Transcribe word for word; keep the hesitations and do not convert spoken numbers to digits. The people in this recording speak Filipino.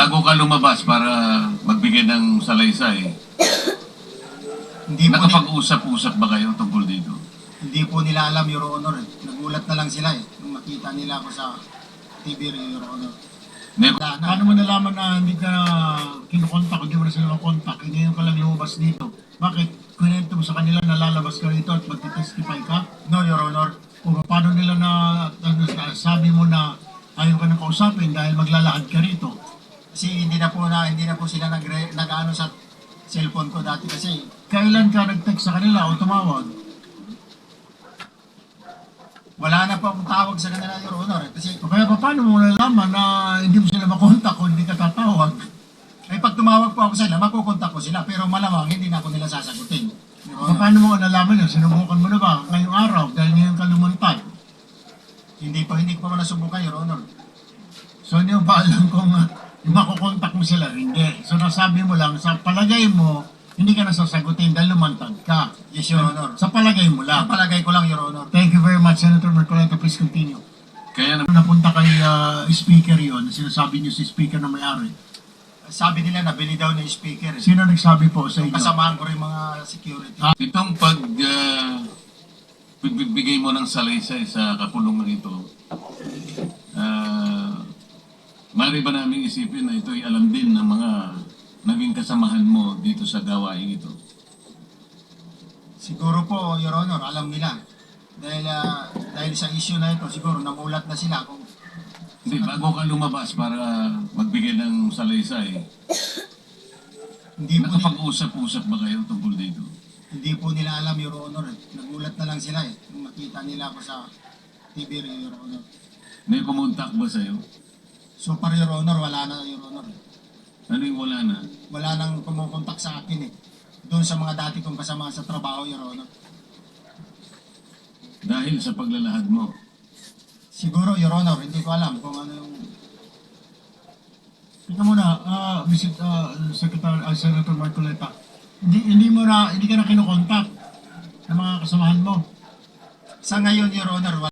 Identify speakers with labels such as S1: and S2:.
S1: bago ka lumabas para magbigay ng salaysay,
S2: Hindi po, ni-
S1: nakapag-usap-usap ba kayo tungkol dito?
S2: hindi po nila alam, Your Honor. eh. Nagulat na lang sila eh. Nung makita nila ako sa T V, Your Honor.
S1: May,
S2: Wala na.
S3: Paano mo nalaman na hindi ka kinukontak, hindi mo na sila makontak, hindi ka lang lumabas dito? Bakit? Kunento mo sa kanila na lalabas ka rito at magtitestify ka?
S2: No, Your Honor.
S3: O paano nila na, ano, sabi mo na ayaw ka nang kausapin dahil maglalakad ka rito?
S2: Kasi hindi na po na hindi na po sila nag nag-ano sa cellphone ko dati kasi
S3: Kailan ka nag-text sa kanila o tumawag?
S2: wala na po akong tawag sa kanila, Your Honor. eh. Kasi
S3: O kaya pa, paano mo nalaman na hindi mo sila makontak o hindi ka tatawag?
S2: ay pag tumawag po ako sa sila, makukontak ko sila. Pero malamang hindi na ako nila sasagutin. Your
S3: O
S2: Honor.
S3: paano mo nalaman yun? Sinubukan mo na ba ngayong araw dahil ngayon ka lumantad?
S2: Hindi pa hindi ko pa nasubukan, Your Honor.
S3: So hindi mo pa alam kung uh, makukontak mo sila? Hindi. So nasabi mo lang, sa palagay mo, hindi ka nasasagutin dahil lumantad ka.
S2: Yes, Your Honor.
S3: Sa palagay mo
S2: Ang
S3: lang.
S2: palagay ko lang, Your Honor.
S3: Thank you very much, Senator Marcoleta. Please continue.
S1: kaya na,
S3: Napunta kay uh, speaker yon, sinasabi niyo si speaker na may-ari.
S2: Sabi nila nabili daw ng speaker. eh.
S3: Sino nagsabi po sa inyo?
S2: Kasamahan ko rin mga security.
S1: itong pag uh, pagbibigay mo ng salaysay sa kapulungan ito, uh, mari ba namin isipin na ito'y alam din ng mga naging kasamahan mo dito sa gawain ito?
S2: Siguro po, Your Honor, alam nila. Dahil ah, dahil sa issue na ito, siguro namulat na sila kung
S1: Hindi, bago ka lumabas para magbigay ng salaysay,
S2: hindi po, nila,
S1: nakapag-usap-usap ba kayo tungkol dito?
S2: hindi po nila alam, Your Honor. eh. Nagulat na lang sila eh. Nung makita nila ako sa T V, Your Honor.
S1: May kumontak ba sa'yo?
S2: So para Your Honor, wala na, Your Honor.
S1: Ano yung wala na?
S2: Wala nang kumukontak sa akin eh. Doon sa mga dati kong kasama sa trabaho, Your Honor.
S1: Dahil sa paglalahad mo.
S2: Siguro, Your Honor, hindi ko alam kung ano yung...
S3: Tika muna, uh, Mister Uh, Secretary, uh, Senator Marcoleta. Hindi, hindi mo na, hindi ka na kinukontak ng mga kasamahan mo.
S2: Sa ngayon, Your Honor,